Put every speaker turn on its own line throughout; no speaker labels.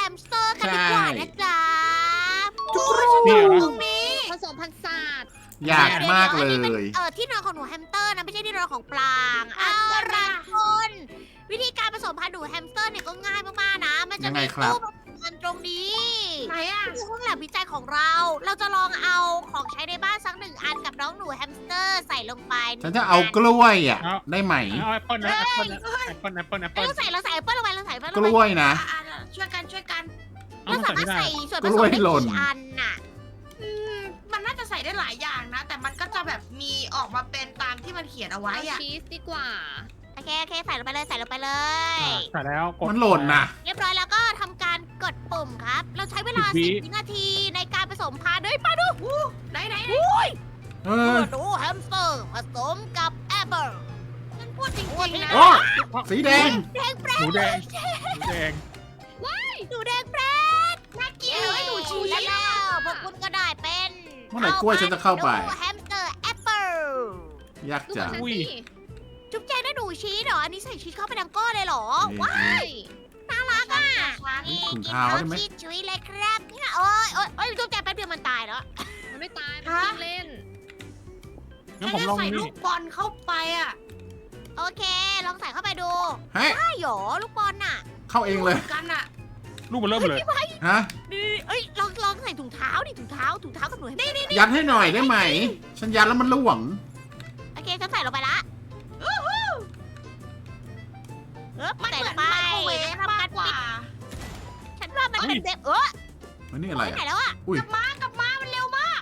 มสเตอร์กันดีกว่านะจ๊ะ
เนี่ย
ตรงนี้
ผสมพันธุ์ศาสตร์
อยากมากเลย
ที่นอนของหนูแฮมสเตอร์นะไม่ใช่ที่นอนของปลางเอาละคนวิธีการผสมพันธุ์หนูแฮมสเตอร์เนี่ยก็ง่ายมากๆนะมันจะ
ยังไง
มี
ครับ
ตู้ผสมพันธุ์ตรงนี้
ไหนอ่ะ
คือห้องแลบวิจัยของเราจะลองเอาของใช้ในบ้านสัก1 อันกับน้องหนูแฮมสเตอร์ใส่ลงไป
ฉันจะเอากล้วยอ่ะ ได้ไหม
เอาแอปเปิ้ลนะแอปเปิ้ลนะแอปเปิ้ลแอปเปิ้ลแอปเปิ้ล
เราใส่แอปเปิ้ลลงไปเราใส่แอปเปิ้ลล
ก
งไป
ล้วยนะ
ช่วยกัน
เอา
เรา
มา
สา
ใส่
มารถ
ไม่ได้
ใส่ส่วนผ
ก
ส
ล้
ม
วย
ได้
หล่น
กี่อันน่ะ
มันน่าจะใส่ได้หลายอย่างนะ แต่มันก็จะแบบมีออกมาเป็นตามที่มันเขียนเอาไว้
เอา
อะ
ชีสดีกว่า
โอเคใส่ลงไปเลยใส่ลงไปเลย
ใส่แล้วกด
มันหล่นนะ
เรียบร้อยแล้วก็ทำการกดปุ่มครับ เราใช้เวลา
10
10 วินาทีในการผสมพันธุ์ด้วยมาดู
ไหน
เอ
เมื่
อ
อหนูแฮมสเตอร์ผสมกับแอปเปิล
ฉันพูดจริงๆนะ
โอ้สีแดง
แดงแปร
หนูแดงหนูแดง
หนูแดงแปร
น่าเกลียดเลยหนูชี้
แล้วพวกคุณก็ได้เป็น
เมื่อไหร่กล้วยฉันจะเข้าไป
หนูแฮมสเตอร์แอปเปิล
ยาก
ดู
จั
ของ
ง
ฉัน
อุ้ย
สิ
จุ๊บแจงได้หนูชีสเหรอ อันนี้ใส่ชีสเข้าไปดังก้อนเลยเหรอ
นี่
ว้า
ใช่
น่ารักอ่ะ
นี่ถุงเท้าได้ไหม
ชีสชุยเลยครับเนี่ยโอ้ยจุ๊บแจงแป๊บเดียวมันตายแล้ว
มันไม่ตาย มันวิ่งเล่น
งั้น
ฉัน
ผม
จะ
ลอง
ใส่
นี่
ลูกบอลเข้าไปอะ
โอเค ลองใส่เข้าไปดู
เฮ้ย
ได้เหรอลูกบอลน่ะ
เข้าเองเลย
กันอะ
Dạ.
ลูกมันเริ่มเลย
ฮะ
นี่เอ้ยลองใส่ถุงเท้าดิถุงเท้ากับหนูให้นี่
ยัดให้หน่อยได้ไหม ฉันยัดแล้วมันหลวม
โอเคฉันใส่ลงไปละ
มัน
ใส่
เห
ล
มือง น
ไป
ไมโครเวฟมากกว่า
ฉันว่ามันเป็นเด็บ
มันนี่อะไร
ไปไหน
อ่ะ
แล้วอ่ะ
อุ้ย
กลับมามันเร็วมาก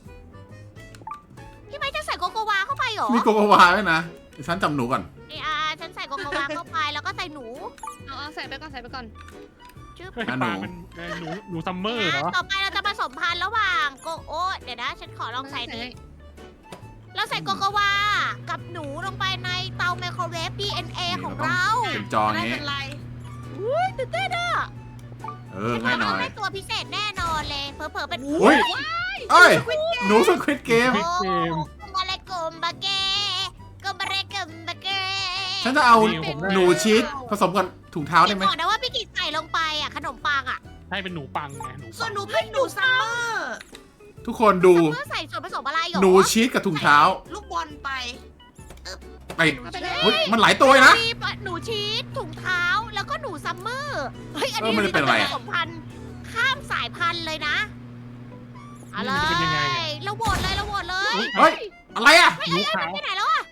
พี่ไม้จะใส่โกโกวาเข้าไปเหรอ
มีโกโกวาด้วยนะเดี๋ยวฉันจำหนูก่อน
นี่ฉันใส่โกโกวาเข้าไปแล้วก็ใส่หนู
เอาใส่ไปก่อน ใส่ไปก่อน
จึ๊บ
เฮ้ยปลามันหนูซัมเมอร์เหรอ
ต่อไปเราจะผสมพันธุ์ระหว่างเดี๋ยวนะฉันขอลองใส่นี่เราใส่โกโกวากับหนูลงไปในเตาไมโครเวฟ DNA ของเรา
เป็นจอ
ไม่
งี้
เป็นไร
อุ้ยตื่นเต้นอ่ะ
เออง่ายหน่อย
ได้ตัวพิเศษแน่นอนเลยเผลอๆเป็น
อุ้ยเอ้ย หนูสควิดเกม
โอ้กุมอะไรกุมบะเกกุมอะไรกุมบะเก
ฉันจะเอาหนูชีสผสมกับถุงเท้าได้ไหม
บอกนะว่าพี่กิจใส่ลงไปอ่ะขนมปังอ่ะ
ใช่เป็นหนูปังไงหนู
ส่
ปั
วน
ง
หนูเป็นหนูซัมเมอร์
ทุกคนดู
เพื่อใส่ส่วนผสมอะไรหรอ
หนูชีสกับถุงเท้า
ลูกบอลไป
ไป
เอาไปเลย
เฮ้ยมันหลายตัวเลยนะ
มีหนูชีสถุงเท้าแล้วก็หนูซัมเมอร์เฮ้ยอันนี้
มันจะเป็นอะไร
ผสมพันธุ์ข้ามสายพันธุ์เลยนะเอาเล
มันจะเป็นยังไง
ยเราโหวตเลย
เฮ้ย อะไรอ่ะ
หนูขาว
ไปไหนแล้วอ่ะ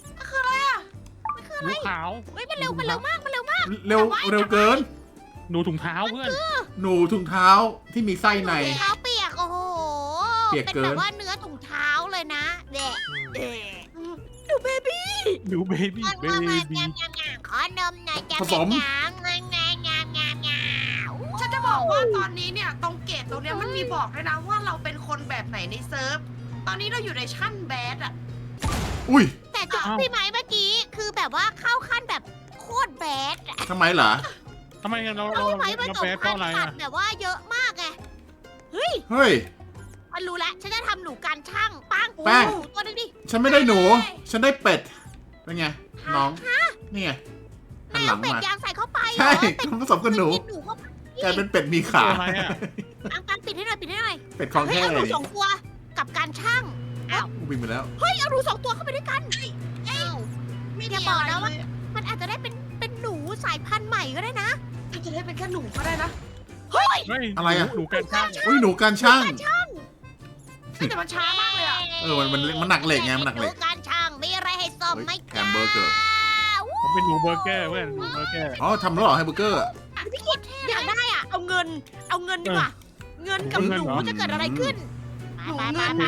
หนูขาว
เฮ้ยมันเร็วมาก
เร็วเกิน
หนูถุงเท้าเพื่อน
หนูถุงเท้าที่มีไส้ใน
ถุงเท้าเปียกโอ้โห
เปียก
เป็น
เกิน
แบบว่าเนื้อถุงเท้าเลยนะเด็กหนูเบบี้
หนูเบบี้เบบี้
ขอนมหน่อยจ้ะ
ผสม
งามงาม
ฉันจะบอกว่าตอนนี้เนี่ยตรงเกตตรงเนี้ยมันมีบอกด้วยนะว่าเราเป็นคนแบบไหนในเซิร์ฟ ตอนนี้เราอยู่ในชั้นแบดอะ
อุ้ย
แต่จุดพี่ไม้เมื่อกี้คือแบบว่าเข้าขั้นแบบโคตรแบดอะ
ทำไมเหรอ
ทำไมเรา
พี่ไม้ผสม
แพ้เพ
พัน
ราะอะไร
ธุ์สัต
อ่ะ
ว์แบบว่าเยอะมากไง
เฮ้ย
มันรู้แล้วฉันจะทำหนูการช่างปัง
แป้ง
หนูตัวนึงดิ
ฉันไม่ได้หนู ฉันได้เป็ด เป็นไง น้อง นี่ไงหันหลัง
เป็ด
มา
ยางใส่เข้าไปเหรอ
ใช่
เป็ด
ผสมกับหนู
กินหนูเข้าไป
กลายเป็นเป็ดมีขา
ตัวอะไรอ่ะ
ปังปิดให้หน่อย
เป็ดของ
เฮ้ย
แท้
เอาห
เล
นู
ย
สองตัวกับการช่างอ้าว
บินไปแล้ว
เฮ้ยเอาหนูสองตัวเข้าไปด้วยกัน
ไม่
อ
มี
ย่าบอก
อะไร
นะ
เล
ว่า
ย
มันอาจจะได้เป็นหนูสายพันธุ์ใหม่ก็ได้นะ
อาจจะได้เป็นแค่หนูก็ได้นะ
เฮ้ย
อะไรอะ
หนูการช่าง
อุ้ยหนูการช่าง
แต่มันช้ามากเลยอะ
มันหนักเหล็กไงมันหนักเหล็ก
ดูการช่างมีอะไรให้ซ่อมไหม
แฮมเบอร์เกอร์
ผมเป็นหนูเบอร์เกอร์เพื่อนหนูเบอร์เกอร์
อ๋อทำแล้วเหรอแฮมเบอร์เกอร์
พี่กิดอยากได้อ่ะเอาเงินดีกว่าเงินกับหนูจะเกิดอะไรขึ้นไป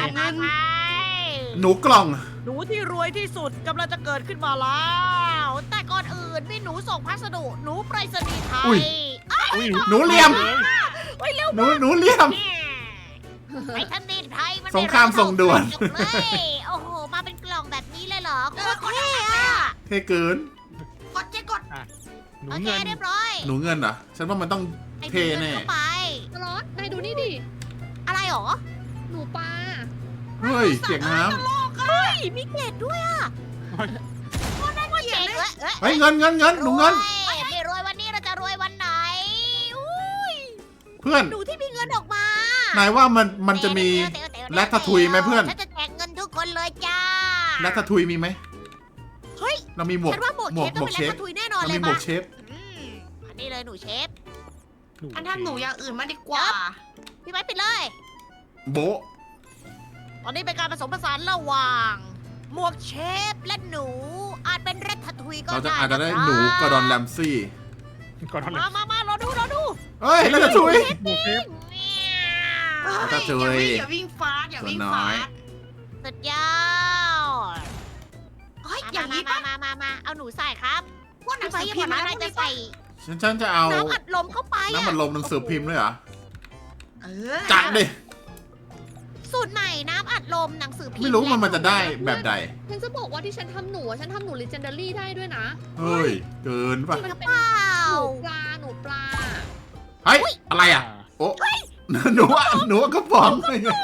หนูกล่อง
หนูที่รวยที่สุดกำลังจะเกิดขึ้นมาแล้ว แต่ก่อนอื่นมีหนูส่งพัสดุหนูไปรษณีย์ไท
อุ้
ย
ย
อุ้ย
หนูเหลี่ยม
เฮ้ยเร็ว
หนูเหลี่ยม
ไปทำดินไทยมัน
สงครามส่งด่วน
จบเลยโอ้โหมาเป็นกล่องแบบนี้เลยเหรอโคตรเท่อะ
เท่เกิน
กดเจ๊กด
หนู
โอเค
เงิน
เรียบร้อย
หนูเงินเหรอ ฉันว่ามันต้อง
ไอ้
เท่แน่
งิเข้าไป
ตลอดนายดูนี่ดิ
อะไรหรอ
หนูปลา
เฮ้ยเสียงน้
เฮ้ยมีเกล็ดด้วยอ่ะ
เฮ้ย
เจ๋งเลย
ำเฮ้ยเงินหนูเงิน
ไม่รวยวันนี้เราจะรวยวันไหนอุ้ย
เพื่อน
หนูที่มีเงินออกมา
นายว่ามันจะมี แรตทาทุยไหมเพื่อน
ฉันจะแจกเงินทุกคนเลยจ้า
แรตทาทุยมีไหม
เฮ้ย
เรามีหมวก
ฉันว่าหมวกเชฟต้องเป็นแรตทาทุยแน่นอน
เรา
เล
มี
ย
หมว
มาก
เชฟ
อันนี้เลยหนูเชฟ
อันทำหนูอย่างอื่นมาดีกว่า
พี่ไม้ปิดเลย
โบะ
ตอนนี้เป็นการผสมผสานระหว่างหมวกเชฟและหนู อาจเป็นแรตทาทุยก็
เราจะ
ได้
อาจจะได้
นะครับ
หนูกระดอนแรมซี่
ก่อนทำเลย
มารอดู
เฮ้ยแรตทาทุย
หมูเชฟ
เฮ้ย
ถ้าเจอ
อย่าวิ่งฟาสอย่าวิ่ง
ตัวน้
ฟา
อย
ส
สุดยอด
เฮ้ยอย่างนี้ปะ
มาเอาหนูใส่ครับ
พวกหนั
พี่
ง
ไม้
สือ
อย่า
พิ
บอ
ม
ก
พ์
นะ
อะไร
อะไร
จะ
จะ
ใส่
ใส่
ฉันจะเอา
น้ำอัดลมเข้าไป
น้ำมันลมหนังสือพิมพ์ด้วยเหรอ
เออ
จัดดิ
สูตรใหม่น้ำอัดลมหนังสือพิมพ์
ไม่รู้มันจะได้แบบใด
ฉันจะบอกว่าที่ฉันทำหนู legendary ได้ด้วยนะ
เฮ้ย เกินป่ะ
จริงหรือเปล่า
หนูปลา
เฮ้ย อะไรอ่ะ โอ้หนูว่ากระป๋อง
สวัสดี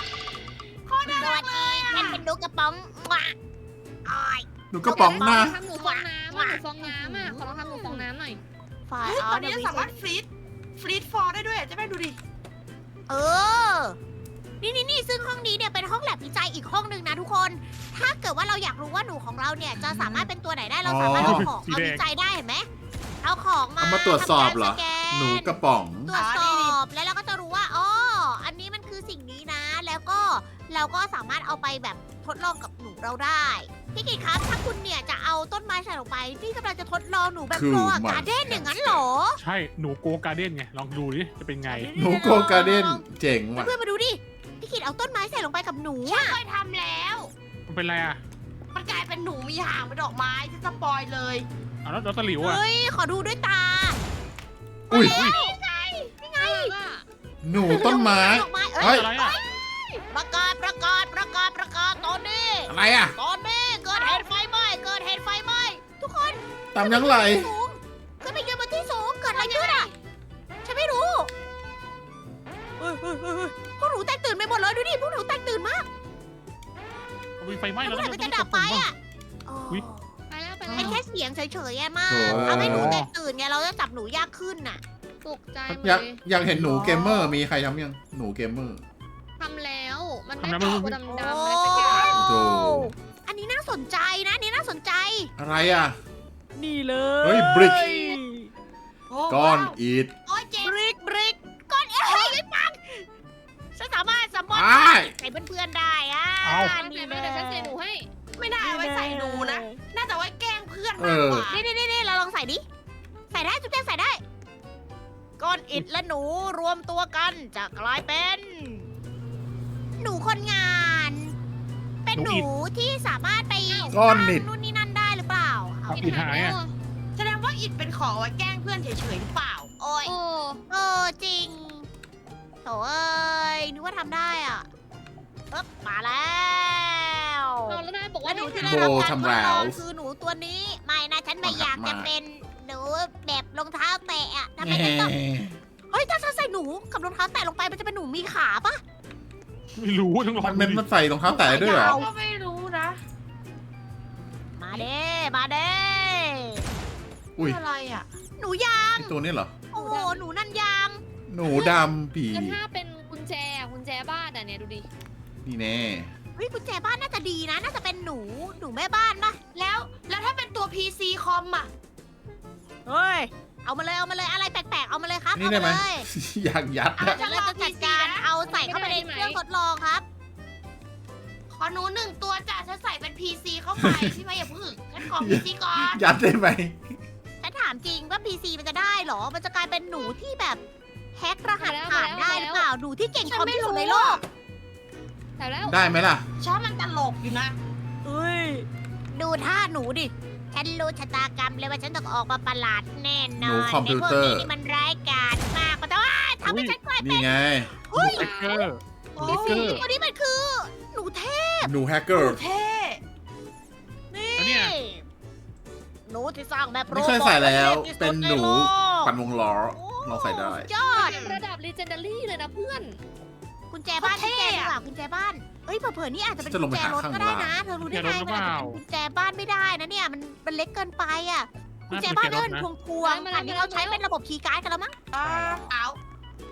ฉันเป็นลูกกระป๋องว้าอ้อย
หนูกระป๋องหน้า
ทำหนูฟองน้ำอ่ะขอลองทำหนูฟองน้ำหน่อย
ฝ่าย
เฮ้ย
อ๋อ
ตอนนี้
เดี๋ยว
สามารถฟรีดฟอร์ได้ด้วยจะไม่ดูดิ
เออ นี่ซึ่งห้องนี้เนี่ยเป็นห้องแลบวิจัยอีกห้องหนึ่งนะทุกคน ถ้าเกิดว่าเราอยากรู้ว่าหนูของเราเนี่ยจะสามารถเป็นตัวไหนได้เราสามารถเอาของเอาวิจัยได้เห็นไหมเอาของมา
เอามาตรวจสอบเหรอ
ทำการสแกน
หนูกระป๋อง
ตรวจสอบแล้วเราก็จะรู้ว่าอ๋ออันนี้มันคือสิ่งนี้นะ แล้วก็เราก็สามารถเอาไปแบบทดลองกับหนูเราได้พี่กิตครับถ้าคุณเนี่ยจะเอาต้นไม้ใส่ลงไปพี่กำลังจะทดลองหนูแบบ
คือ
โก
มัน
การ์เด้นอย่างนั้นเหรอ
ใช่ หนูโกการ์เด้นไง ลองดูดิ จะเป็นไง
หนูโกการ์เด้นเจ๋งว่ะ
เพื่อนๆมาดูดิพี่กิตเอาต้นไม้ใส่ลงไปกับหนู
ฉัน
อะ
เคยทำแล้ว
มันเป็นไรอ่ะ
มันกลายเป็นหนูมีหางเป็นดอกไม้ที่สปอยเลย
เอาแล้วตะหลิวอ่ะ
เฮ้ยขอดูด้วยตา
อุ้ย
นี่ไง
หนูต้นไม้
ดอกไม้
เฮ้ย
อะไรอ่ะ
ประกาศตอนนี้
อะไรอ่ะ
ตอนนี้เกิดเหตุไฟไหม้ทุกคน
ตามยังไร
สูงขึ้นไปยืนบนที่สูงเกิดอะไรขึ้นอ่ะฉันไม่รู้เฮ้ยพวกหนูแตกตื่นไปหมดเลยดูดิพวกหนูแตกตื่นมาก
เอาไฟไหม้
แล้
แล้ว ว
เมื่อไหร่มันจะดับไปอ่ะอ๋อ
อุ๊ย
ไปแล้ว
เป็นแค่เสียงเฉยๆอะมาก
โถ่
เอาให้หนูแตกตื่นไงเราจะจับหนูยากขึ้นน่ะ
ตกใจหมด
อยาก
เลย
อยากเห็นหนูเกมเมอร์ มีใครทำยัง หนูเกมเมอร์
ทำแล้ว มัน
ทำแล้ว
ไม่
มัน
ตัวดำๆอะไรสักอย่าง
โถ่
อันนี้น่าสนใจนะอันนี่น่าสนใจ
อะไรอ่ะ
นี่เลย
เฮ้ย บริก
โอ้
ก้อน
ว้าว
อิฐ
โอ้ยเจ๊
บริกก้อนเอ้ยไม่ปังฉันสามารถสมมติ
อ้าย
ใส่เพื่อนๆได้อ่ะ
เอา
นี่
เดี๋ยวฉันใส่หนูให้
ไม่น่าเอาไว้ใส่หนูนะ น่าจะไว้แกล้งเพื่อน
เอ
มาก
อ
กว่า
นี่เราลองใส่ดิใส่ได้จุ๊บแจ๊ใส่ได้ ก้อนอิฐและหนูรวมตัวกันจะกลายเป็น หนูคนงาน เป็นหนูที่สามารถไป
ก้อนอิฐ
สร้างนู่นนี่นั่นได้หรือเปล่าเอา
อิฐหายอะ
แสดงว่าอิดเป็นของเอาไว้แกล้งเพื่อนเฉยๆหรือเปล่า
โอ้ย
โอ้
จริงโถเอ้ยนึกว่าทำได้อ่ะปึ๊บมาแล้ว
เอาแล้วนายบอก
และ
ว่า
หนู
ไม่
ที่
ท
ได้รับการทด
ทำแล้
ล
ว
องคือหนูตัวนี้ ไม่นะฉันไม่อยากจะเป็นหนูแบบรองเท้าแตะอะทำไมฉันต้องเฮ้ยถ้าฉันใส่หนูกับรองเท้าแตะลงไปมันจะเป็นหนูมีขาปะ
ไม่รู้ต้องลอง
มัน
ดูดิ
มันใส่รองเท้าแตะได้ด้วยเหรอ
เราก็ไม่รู้นะ
มาเด้มาเด้
อุ้ย
อะไรอ่ะ
หนูยาง
ไอตัวนี้เหรอ
โอ้โหหนูนั่นยาง
หนูดำผี
ำแล้วถ้าเป็นกุญแจบ้านอ่ะเนี่ยดูดิ
นี่แน่
เฮ้ยกุญแจบ้านน่าจะดีนะ น่าจะเป็นหนูแม่บ้านปะ
แล้วถ้าเป็นตัว PC คอมอ่ะ
เฮ้ยเอามาเลยอะไรแปลกๆเอามาเลยครับ
นี่
เอา
ได้
มา
ไหม
เลย
อยากยัดอะ
เดี๋ยวเราจะจัดการเอาใส่เข้าไปในเครื่องทดลองครับ
ขอหนูหนึ่งตัวจ้ะฉันใส่เป็น PC เข้าไป พี่ไม่อย่าพึ่งฉันขอ PC ก่อน
ยัดได้ไหม
ฉันถามจริงว่า PC มันจะได้เหรอ มันจะกลายเป็นหนูที่แบบแฮกรหัสผ่านได้หรือเปล่า หนูที่เก่งคอมที่สุดในโลก
แต่แล้ว
ได้ไหมล่ะ
ชอบมันตลกอยู่นะ
เอ้ย ดูท่าหนูดิ ฉันรู้ชะตากรรมเลยว่าฉันต้องออกมาประหลาดแน่นอน
หนูคอมพิวเตอร์
ในพวกนี้นี่มันร้ายกาจมากแต่ว่าทำให้ฉันกลายเป็น
นี่ไง
เฮ้ย
แฮกเกอร์
โอ้
นี่คือ
ตัวนี้มันคือ หนูเทพ
หนูแฮกเกอร์
เท่
นี่
แล้วเนี่ย
หนูที่สร้างแบบ
ไม่เคยใส่แล้ว
โรบอท
เป็นหนู
ใโลก
ปั่นวงล้อ ลองใส่ได้
ยอด
ระดับ legendary เลยนะเพื่อน
กุญแจบ้านที่แกดีกว่ากุญแจบ้านเอ้ยเผื่อๆนี่อาจจะเป็น
จะล
กุ
ง
ญ
ไป
แจ
หาร
ถ
ข้าง
ก็ได้
ล่าง
นะเธอรู้ได้ไง
กุญแจรถหรือ
มัน
เป
อาจ
ล่า
จะเป็นกุญแจบ้านไม่ได้นะเนี่ยมันเล็กเกินไปอ่ะกุญแจบ้านเนี่ยมันพวงๆ
มาแล้ว
อันนี้เราใช้เป็นระบบคีย์การ์ดกันแล้วมั้ง
เอา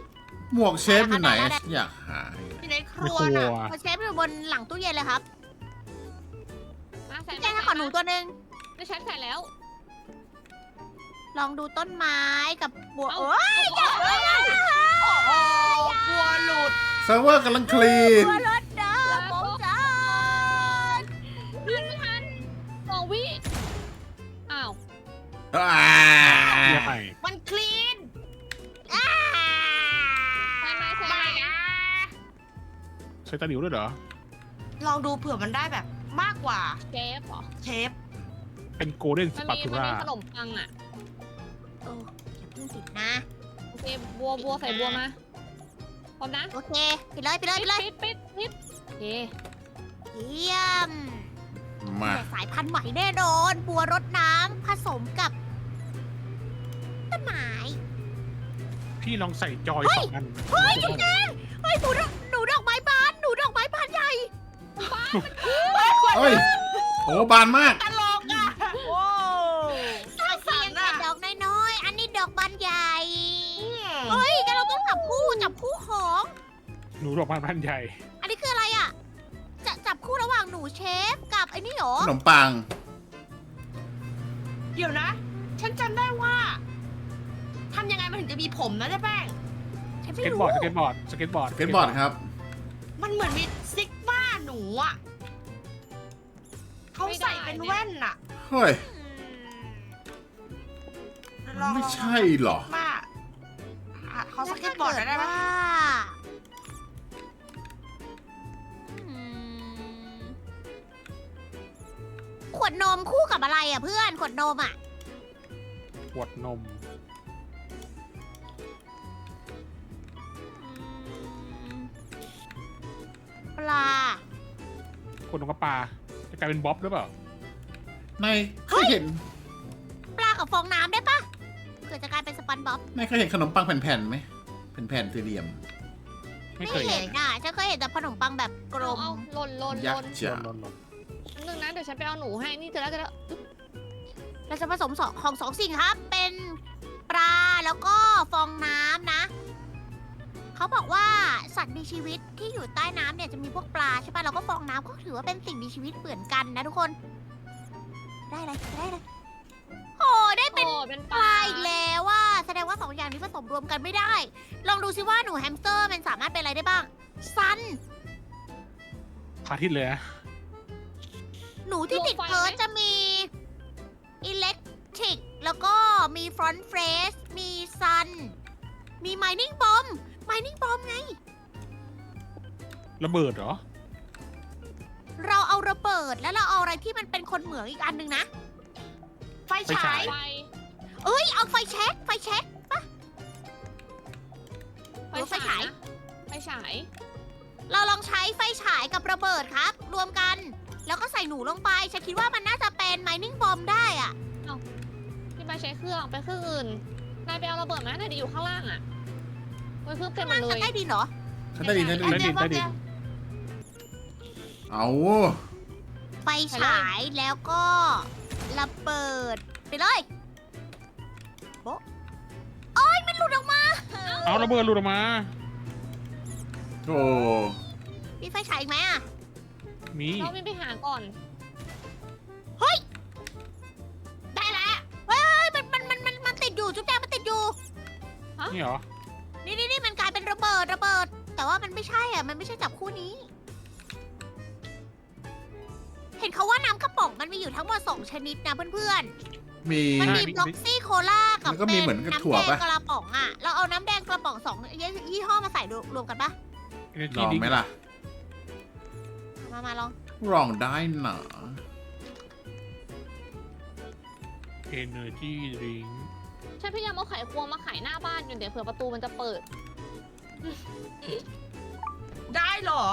หมวกเชฟอยู่ไหนอยากหา
อยู่ในค
ไม่
รัว
กลั
น่ะ
ว
พอเชฟอยู่บนหลังตู้เย็นเลยครับ
มาใส่
แจ้งให้ขอหนูตัวหนึ่ง
ไม่ใช่ใส่แล้ว
ลองดูต้นไม้กับบัว
เอ้า
โอ้ยอย่าเลย
โอ้โหกลัวหลุด
เซิร์ฟเวอร์กำลังคลีน
บัวรถเด้อผมจ้า
ไม่ทัน2 วิอ้าว
อ่า
เรียกไป
มันคลีน
อ่า
ใส่ไหมใส่ไหม
ใช้ตะหลิวด้วยเหรอ
ลองดูเผื่อมันได้แบบมากกว่า
เชฟเหรอ
เชฟ
เป็นโกลเด้นส
มัน
ปา
มี
ตู
มัน
รา
มีขนมปังอ่ะ
โอ้อย่าเพิ่งติดนะ
โอเคบัวใส่บัวมาพร้อมนะ
โอเคปิดเลยปิดเลยปิดเลย
ปิดโอเค
เยี่ยม
มา
แต่สายพันธุ์ใหม่แน่นอน บัวรดน้ำผสมกับต้นไม้
พี่ลองใส่จอย2 อัน
เฮ้ยจริงๆเฮ้ยหนูดอกไม้บานหนูดอกไม้บานใหญ่
เอ้ยโอ้บานมาก
ตลกอ่ะโอ้สร้างสร
เพีย
รง ค์
แต่
อ่ะ
ดอกน้อยๆอันนี้ดอกบานใหญ่เฮ้ยงั้นเราต้องจับคู่ของ
หนูดอกไม้พันใหญ่
อันนี้คืออะไรอ่ะจะจับคู่ระหว่างหนูเชฟกับไอ้นี่เหรอ
ขนมปัง
เดี๋ยวนะ ฉันจำได้ว่าทำยังไงมันถึงจะมีผมนะเจ๊แป้ง
ฉัน
ส
ไม่
เก็ต
รู้
บอร์ด สเก็ตบอร์ด สเก็ตบอร์ด
เก็ตบอร์ดครับ
มันเหมือนมีซิกมาหนูอ่ะเขาใส่เป็นแว่นอ่ะ
เฮ้ย
ลอง
ไม่ใช่หรอ
มาเขาสเก็ตบอร์ดได้ไหม
ว่าอืมขวดนมคู่กับอะไรอ่ะเพื่อนขวดนมอ่ะ
ขวดนม
ปลา
ขวดนมกับปลา จะกลายเป็นบ๊อบหรือเปล่า
ในเคยเห็น
ปลากับฟองน้ำได้ปะเกิดจะกลายเป็นสปันบ๊อบ
ในเคยเห็นขนมปังแผ่นๆไหมแผ่นๆสี่เหลี่ยม
ไม่
ไม่
เคย
เห็นอ่ะฉันเคยเห็นแต่ขนมปังแบบกลม
เอาหล่น
ยักษ์จ๋า
ลน
นึงนะเดี๋ยวฉันไปเอาหนูให้นี่เจอแล้ว
เราจะผสมของสองสิ่งครับ เป็นปลาแล้วก็ฟองน้ำนะ เขาบอกว่าสัตว์มีชีวิตที่อยู่ใต้น้ำเนี่ยจะมีพวกปลาใช่ปะแล้วก็ฟองน้ำก็ถือว่าเป็นสิ่งมีชีวิตเหมือนกันนะทุกคน ได้อะไรได้อะไรโอ้ได้เป็น
เป็น
ปลาอีกแล้วว่าแสดงว่าสองอย่างนี้ผสมรวมกันไม่ได้ ลองดูซิว่าหนูแฮมสเตอร์มันสามารถเป็นอะไรได้บ้าง ซัน
พาทิตย์เลยนะ
หนูที่ติดเพิร์ชจะมีอิเล็กทริกแล้วก็มีฟรอนต์เฟรชมีซัน มีไมนิ่งบอมไมนิ่งบอมไง
ระเบิดเหรอ
เราเอาระเบิดแล้วเราเอาอะไรที่มันเป็นคนเหมืองอีกอันหนึ่งนะ
ไฟฉาย
ไฟ
เอ้ย เอาไฟแช็กปะ
ไฟ
ไฟฉาย
ไฟฉาย
เราลองใช้ไฟฉายกับระเบิดครับ รวมกัน แล้วก็ใส่หนูลงไป ฉันคิดว่ามันน่าจะเป็นไมนิ่งบอมได้อะ
พี่ไปใช้เครื่องไปเครื่องอื่นนายไปเอาระเบิดมาหน่อยดิอยู่ข้างล่างอ่ะไว้เครื่องเต็มหมดเล
ฉัน
ย
ได้ดินเหรอ
ฉันได้ยินได้ยิน
ได้ดินได้ดิน
เอา
ไฟฉายแล้วก็ระเบิดไปเลยโบ๊ะโอ้ยมันหลุดออกมา
เอาระเบิดหลุดออกมา
โอ้
มีไฟฉายอีกไหมอะ
มี
เราไม่ไปหาก่อน
ได้แล้วเฮ้ยมันติดอยู่จุ๊บแจงมันติดอยู่
นี่เหรอ
นี่มันกลายเป็นระเบิด แต่ว่ามันไม่ใช่อ่ะ มันไม่ใช่จับคู่นี้ เห็นเขาว่าน้ำกระป๋องมันมีอยู่ทั้งหมด2ชนิดนะเพื่อน
มี
ๆ มันมีบล็อกซี่โคลากับ
แล้วก็มีเหมือนกับ
น้ำ
ถั่ว
แดง
ปะ
กระป๋องอ่ะ เราเอาน้ำแดงกระป๋อง2ยี่ห้อมาใส่รวมกันปะ
Energy
ลอง
Drink
ไหมล่ะ
มาลอง
ลองได้หนา
Energy Drink
ฉันพยายามเอาไขควงมาไขหน้าบ้านอยู่เดี๋ยวเผื่อประตูมันจะเปิด
ได้เหรอ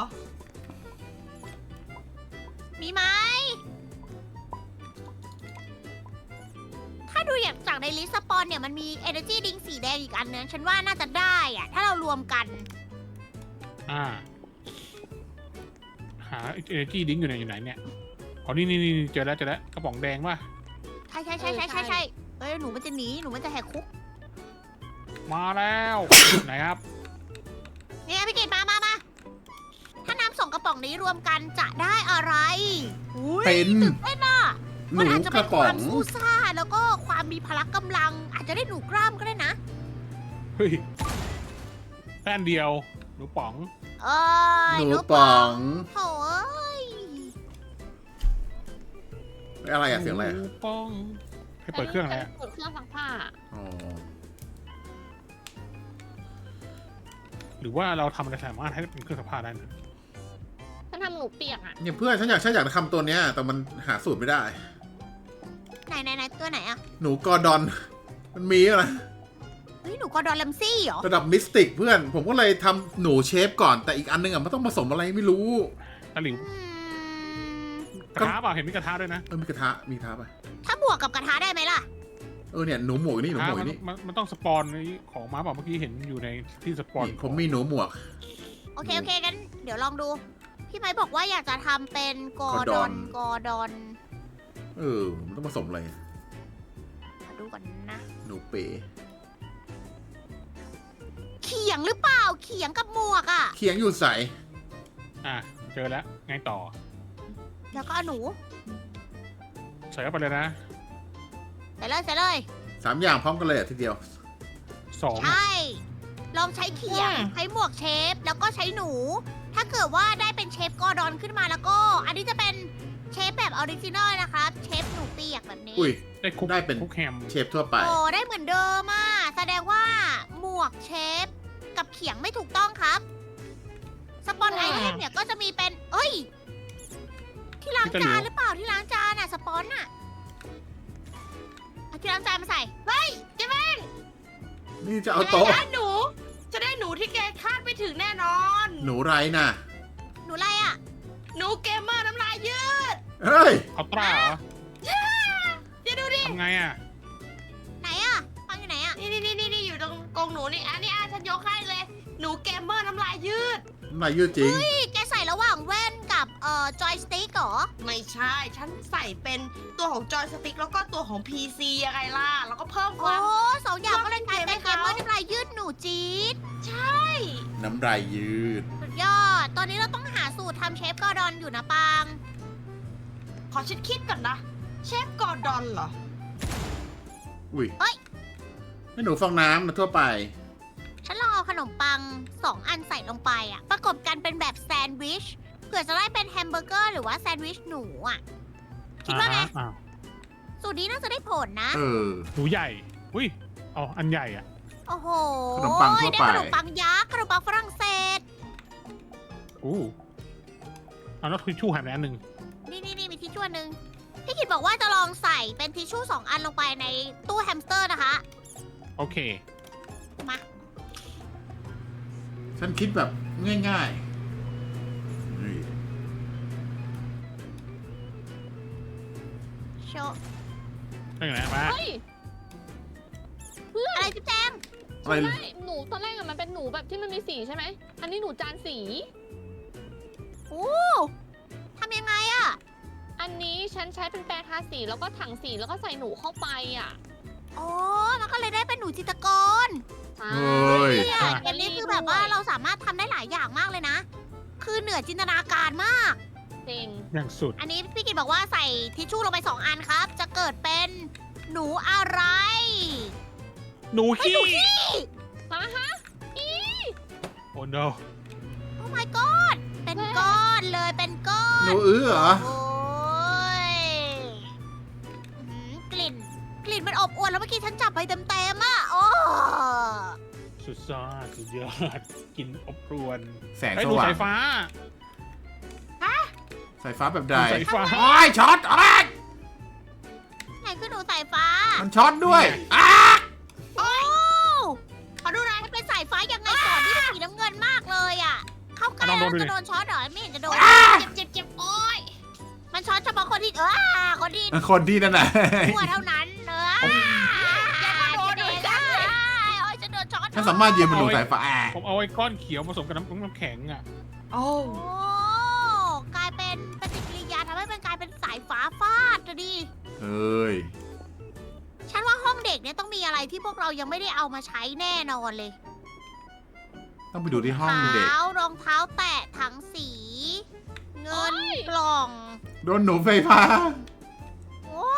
มีไหม ถ้าดูอย่างจากในลิสต์สปอนเนี่ยมันมี Energy Drink สีแดงอีกอันนึงฉันว่าน่าจะได้อะถ้าเรารวมกัน
หา Energy Drink อยู่ไหนเนี่ยอ๋อนี่เจอแล้วกระป๋องแดงป่ะ
ใช่
ใช่
เอ้ยหนูมันจะหนีหนูมันจะแหกคุก
มาแล้ว ไหนครับ
เนี่ยพี่กิตมา ถ้าน้ำ2กระป๋องนี้รวมกันจะได้อะไรอุ๊ย
เป็น
ตื่นเต้นอ่ะ
ห
มัน
นู
อาจจะ
ก
เป็
ระ
นค
ป๋อ
วาง มสู้ซ่าแล้วก็ความมีพละกำลัง อาจจะได้หนูกล้ามก็ได้นะ
เฮ้ยแป้นเดียวหนูป๋อง
เอ้ย
หนูป๋อง
โถ่เอ้ย
อะไรอะเสียงอะไร
ห
อะ
นูป๋องให้เปิดเครื่องอะไรอะ
เปิดเครื่องซักผ้า
อ๋อ
หรือว่าเราทำอะไรสามารถให้เป็นเครื่องซักผ้าได้นะ
ฉันทำหนูเปียกอ่ะ
เนี่ยเพื่อนฉันอยากทำตัวเนี้ย แต่มันหาสูตรไม่ได้
ไหนตัวไหนอะ
หนูกอร์ดอน มันมีอะไร
เฮ้ยหนูกอร์ดอนแลมซี่เหรอ
ระดับมิสติกเพื่อน ผมก็เลยทำหนูเชฟก่อน แต่อีกอันนึงอะมันต้องผสมอะไรไม่รู้
ตะหลิว
อืม
กระทะเปล่าเห็นมีกระทะด้วยนะ
มีกระทะมีกระทะปะ
ถ้าบวกกับกระทะได้ไหมล่ะ
เนี่ยหนูหมวกนี่หนูหมวกนี่
มันต้องสปอนของม้าเปล่าเมื่อกี้เห็นอยู่ในที่สปอน
ผมมีหนูหมวก
โอเคงั้นเดี๋ยวลองดู พี่ไม้บอกว่าอยากจะทำเป็นกอร์ดอน
มันต้องผสมอะไร
มาดูก่อนนะ
หนูเป๋
เขียงหรือเปล่า เขียงกับหมวกอะ
เคียงอยู่ใส
อ่ะเจอแล้วไงต่อ
แล้วก็เอาหนู
ใส่เข้าไปเลยนะ
ใส่เลย
3 อย่างพร้อมกันเลยทีเดียว
2
ใช่ ลองใช้เขียง ใช้หมวกเชฟ แล้วก็ใช้หนู ถ้าเกิดว่าได้เป็นเชฟกอร์ดอนขึ้นมาแล้วก็ อันนี้จะเป็นเชฟแบบออริจินอลนะครับ เชฟหนูเปียกแบบนี้
อุ้ย
ได้คุก
ได้เป็น
คุกแฮม
เชฟทั่วไป
โอ้ได้เหมือนเดิมอ่ะแสดงว่าหมวกเชฟกับเขียงไม่ถูกต้องครับ สปอนไอเทมเนี่ยก็จะมีเป็น เอ้ย ที่ล้างจานหรือเปล่าที่ล้างจานอ่ะ สปอนอ่ะเอาที่ล้างจานมาใส่ เฮ้ยเจ๊แม่
นี่จะเอาโต๊ะ
ได้หนู จะได้หนูที่แกคาดไม่ถึงแน่นอน
หนูไรน่ะ
หนูอะไรอ่ะ
หนูเกมเมอร์น้ำลายยืด
เฮ้ย
เอาตราเหรอ
อย่าดูดิ
ทำไงอ่ะ
ไหนอ่ะฟังอยู่ไหนอ่ะ
นี่อยู่ตรงกรงหนูนี่อันนี้ฉันยกให้เลย หนูเกมเมอร์น้ำลายยืด
น้ำลายยืดจริง
นี่แกใส่ระหว่างแว่นกับจอยสติ๊กเหรอ
ไม่ใช่ ฉันใส่เป็นตัวของจอยสติ๊กแล้วก็ตัวของ PC ยังไงล่ะ แล้วก็เพิ่มค
โอ้
วาม
สองอย่างก็เลยกลายเป็น
เพิ่
เก
ม
ม
เกมให้ เขา
เมอร์น้ำลายยืดหนูจี๊ด
น้ำลายยืด
สุดยอด ตอนนี้เราต้องหาสูตรทำเชฟกอร์ดอนอยู่นะปาง
ขอฉันคิดก่อนนะ เชฟกอร์ดอนเหรอ
อุ้ยให้หนูฟองน้ำมาทั่วไป
ฉันลองเอาขนมปัง2 อันใส่ลงไปอ่ะ ประกบกันเป็นแบบแซนด์วิช เผื่อจะได้เป็นแฮมเบอร์เกอร์หรือว่าแซนด์วิชหนูอ่ะ คิดว่าไง
อ่า
สูตรนี้น่าจะได้ผลนะ
หนูใหญ่ อุ้ยอ๋ออันใหญ่อ่ะ
โอ้โห
ขนมปังทั่วไป
ได้ขนมปังยักษ์ขนมปังฝรั่งเศส
อู้เอาแล้วทิชชู่หายไปอันหนึ่ง
นี่มีทิชชู่อันหนึง พี่กิดบอกว่าจะลองใส่เป็นทิชชู่2 อันลงไปในตู้แฮมสเตอร์นะคะ
โอเค
มา
ฉันคิดแบบง่ายๆนี่
โชว์
ได้ไงมา
เฮ้ย
อะไรจิ๊บแจง
อะไร
ใช่หนูตอนแรกอะมันเป็นหนูแบบที่มันมีสีใช่ไหม อันนี้หนูจานสี
โอ้ทำยังไงอะ
อันนี้ฉันใช้เป็นแปรงทาสีแล้วก็ถังสีแล้วก็ใส่หนูเข้าไปอ่ะ
อ๋อ มันก็เลยได้เป็นหนูจิตรกร
ใช่
เฮ้ย
เนี่ยเกมนี้คือแบบว่าเราสามารถทำได้หลายอย่างมากเลยนะ คือเหนือจินตนาการมาก
จริง
อย่างสุด
อันนี้พี่กิตบอกว่าใส่ทิชชู่ลงไป2 อันครับ จะเกิดเป็นหนูอะไร
หนู
เฮ้ย
ขี้
หนูขี้
มาฮะ
โอ้ no
โอ้ my god เป็นก้อนเลยเป็นก้อน
หนูเหรอ
โอ้ยอื้อหือกลิ่นมันอบอวลแล้วเมื่อกี้ฉันจับไปเต็มๆอ่ะโอ้
สุดยอดสุดยอดกินอบรวน
แสง
ไอ้
ส
หนู
ว่า
สาง ยฟ้า
สายฟ้าแบบใด
สายฟ้า
โอ้ยช็อตโอ้ย
ไหนคือหนูสายฟ้า
มันช็อตด้วย
นี่ไง
อ้า
โอ้
ขอดูหน่อย
มันเป็นสายฟ้ายังไงก่อนที่เป็นสีน้ำเงินมากเลยอ่ะ เข้าใกล้
ลอง
แล้ว
ดูดิ
จะโดนช็อตเหรอไม่เห็นจะโดน
เจ็บโอ้ย
มันช็อตเฉพาะคนที่คนที่
คนที่นั่นน่ะ
ทั่วเท่านั้นอย่ามาโดนหนูจ้าโอ้ยจะโดนช็อต
ฉันสามารถยืนบนหนูสายฟ้า
ผมเอาไอ้ก้อนเขียวผสมกับน้ำแข็งอ่ะ
โอ้
โอ้กลายเป็นปฏิกิริยาทำให้มันกลายเป็นสายฟ้าฟาดจะดี
เฮ้ย
ฉันว่าห้องเด็กเนี่ยต้องมีอะไรที่พวกเรายังไม่ได้เอามาใช้แน่นอนเลย
ต้องไปดูที่ห้องเด็ก
รองเท้าแตะถังสี เงินกล่อง
โดนหนูไฟฟ้า
โอ้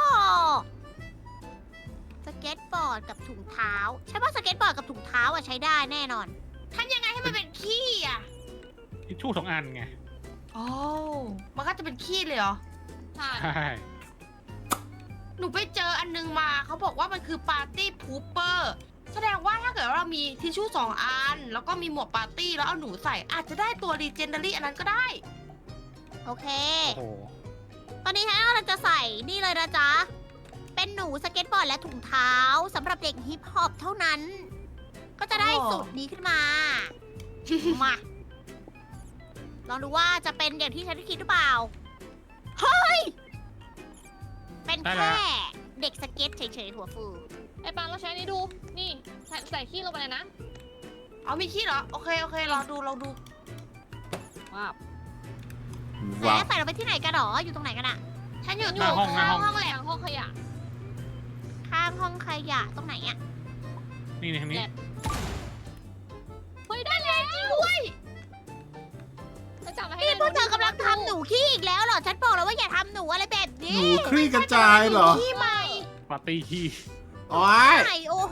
สเก็ตบอร์ดกับถุงเท้า ใช่ป่ะสเก็ตบอร์ดกับถุงเท้าอะใช้ได้แน่นอน
ทำยังไงให้มันเป็นขี้อ่ะ
ทิชชู่2 อันไง
โอ้มันก็จะเป็นขี้เลยเหรอ
ใช่
ใช่
หนูไปเจออันนึงมาเขาบอกว่ามันคือปาร์ตี้พูเปอร์แสดงว่าถ้าเกิดว่าเรามีทิชชู่2 อัน แล้วก็มีหมวกปาร์ตี้แล้วเอาหนูใส่อาจจะได้ตัวรีเจนเดอรี่อันนั้นก็ได้
โอเค
โอ้โห
ตอนนี้ฉันกำลังจะใส่นี่เลยนะจ๊ะ เป็นหนูสเก็ตบอร์ดและถุงเท้าสำหรับเด็กฮิปฮอปเท่านั้น ก็จะได้
อ๋อ
สูตรนี้ขึ้นมา มา ลองดูว่าจะเป็นอย่างที่ฉันคิดหรือเปล่า เฮ้ย เป็นแค่เด็กสเก็ตเฉยๆหัวฟู
ไอ้ปางเราใช้นี่ดู นี่ใส่ขี้ลงไปเลยนะ
เอามีขี้เหรอ โอเคลองดู
ว้าว
ว้าว
แล้วใส่ลงไปที่ไหนกันหรอ อยู่ตรงไหนกันอะ
ฉันอยู่
หน้าห้อง
ข้างห้องแหละ
ทางห้องขยะ
ข้างห้องขยะตรงไหนอะ
นี่ทางนี้
แลบ เฮ้ยได้แล้วจริงด้วยจะจับมาให้
นี่พวกเธอกำลังทำหนูขี้อีกแล้วเหรอ ฉันบอกแล้วว่าอย่าทำหนูอะไรแบบ
ห
นี้
นูคลี่กระจายเหรอ
ขี้ใหม่
ปาร์ตี้ขี้
โอ้ย
ใหม่โอ้โห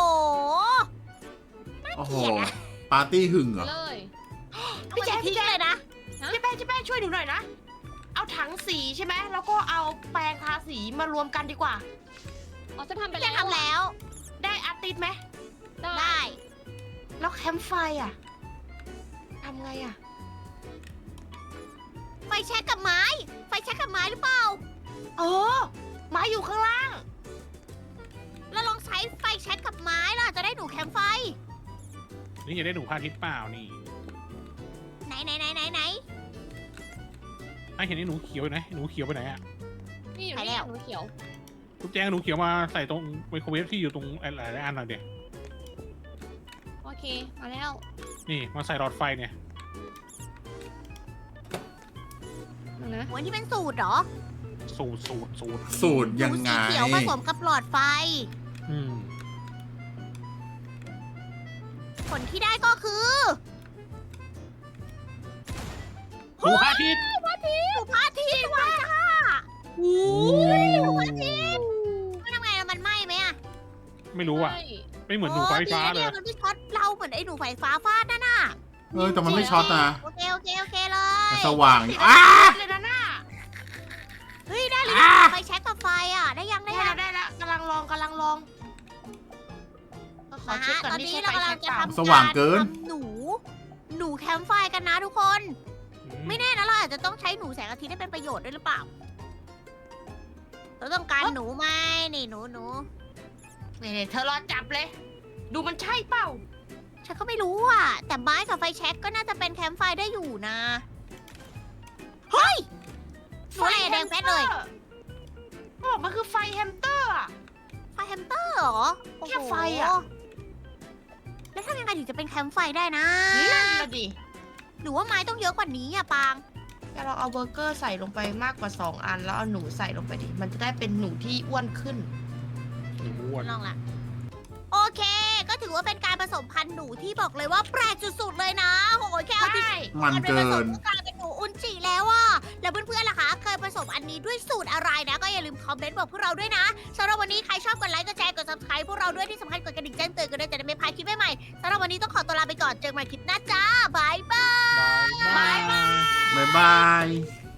โอ้โห ปาร์ตี้หึงเหรอ
เลย
พี่แจ๊ค
ทิ้งเลยนะ
เจ๊แป้งช่วยหนูหน่อยนะ เอาถังสีใช่ไหม แล้วก็เอาแปรงทาสีมารวมกันดีกว่า
อ๋อจะทำไป
จะ
แล้ว
ทำแล้ว
ได้อาร์ติสไหม
ได้
ได้
แล้วแคมป์ไฟอ่ะทำไงอ่ะ
ไฟแช็กกับไม้ ไฟแช็กกับไม้หรือเปล่า
เออไม้อยู่ข้างล่าง
แล้วลองใช้ไฟแช็กกับไม้ล่ะ จะได้หนูแคมป์ไฟ
นี่จะได้หนูพาทิตย์เปล่านี่
ไหน
ไอ้เห็นไอ้หนูเขียวอยู่ไหนหนูเขียวไปไหนอะ
นี่อยู่
ไป
นี่
แล้ว
หนูเขียว
ทุกแจงหนูเขียวมาใส่ตรงไมโครเวฟที่อยู่ตรงหลายๆอันหน่อยเดี๋ยว
โอเค มาแล้ว
นี่มาใส่หลอดไฟเนี่ย
ดูนะ
โอ้ยนี่เป็นสูตรเหรอ
สูตร
สูตร
ห
ยัง
นู
ไง
สีเขียวผสมกับหลอดไฟ
อืม
ผลที่ได้ก็คือ
หนูพาทิตย์
หนูพระอาทิตย์ว่ะจ้าโอ้ยหนูพระอาทิตย์มันทำไงอะมันไหม้ไหมอะ
ไม่รู้อะ
ใช่
ไม่เหมือนหนูไฟฟ้าเลย
มันไม่ช็อตเราเหมือนไอ้หนูไฟฟ้าฟาดนั่นน่ะ
เออแต่มันไม่ช็อตนะ
โอเคเลย
มันสว่างอยู่
อ้า
อ้า
เลยนะน่า
เฮ้ยได้เลย
อ่ะ
ไฟแช็กกับไฟอ่ะ ได้ยัง
ได้แล้วกำลังลองขอ
มา
เช็ค
ฮะ
ก่อน
ตอน
นี่
นี้
ใช่
เรา
ไฟ
กำลั
แช็
ง
ก
จะ
เปล่า
ทำ
สว่างเกิน
ทำหนูแคมป์ไฟกันนะทุกคน ไม่แน่นะเราอาจจะต้องใช้หนูแสงอาทิตย์ได้เป็นประโยชน์ด้วยหรือเปล่า เราต้องการหนูไหมนี่หนู
นี่เธอรอจับเลย ดูมันใช่เปล่า
ฉันก็ไม่รู้อ่ะ แต่ไม้กับไฟแช็กก็น่าจะเป็นแคมป์ไฟได้อยู่นะ เฮ้ยหนูอะไรอะแดงแป๊ดเลย
เขาบอกมันคือไฟแฮมสเตอร์อะ
ไฟแฮมสเตอร์เหรอโอ้โห
แค่ไฟอะ
แล้วทำยังไงถึงจะเป็นแคมป์ไฟได้นะ
นั่นน่ะดิ
หรือว่าไม้ต้องเยอะกว่านี้อ่ะปาง
จะลองเอาเบอร์เกอร์ใส่ลงไปมากกว่า 2 อัน แล้วเอาหนูใส่ลงไปดิ มันจะได้เป็นหนูที่อ้วนขึ้น
หนูอ้วน
ลองละโอเค ก็ถือว่าเป็นการผสมพันธุ์หนูที่บอกเลยว่าแปลกสุดๆเลยนะโอ้ยแค่เอาที่
ใช่
มันเกิ
ผสม
น
ก็กลายเป็นหนูอุนจิแล้วอ่ะแล้วเพื่อนๆล่ะคะเคยผสมอันนี้ด้วยสูตรอะไรนะ ก็อย่าลืมคอมเมนต์บอกพวกเราด้วยนะสำหรับวันนี้ใครชอบกดไลค์กดแชร์กด subscribe พวกเราด้วยที่สำคัญกดกระดิ่งแจ้งเตือนกันด้วยจะได้ไม่พลาดคลิปใหม่ๆสำหรับวันนี้ต้องขอตัวลาไปก่อนเจอกันใหม่คลิปหน้าจ้าบายบาย
บาย
บ๊ายบาย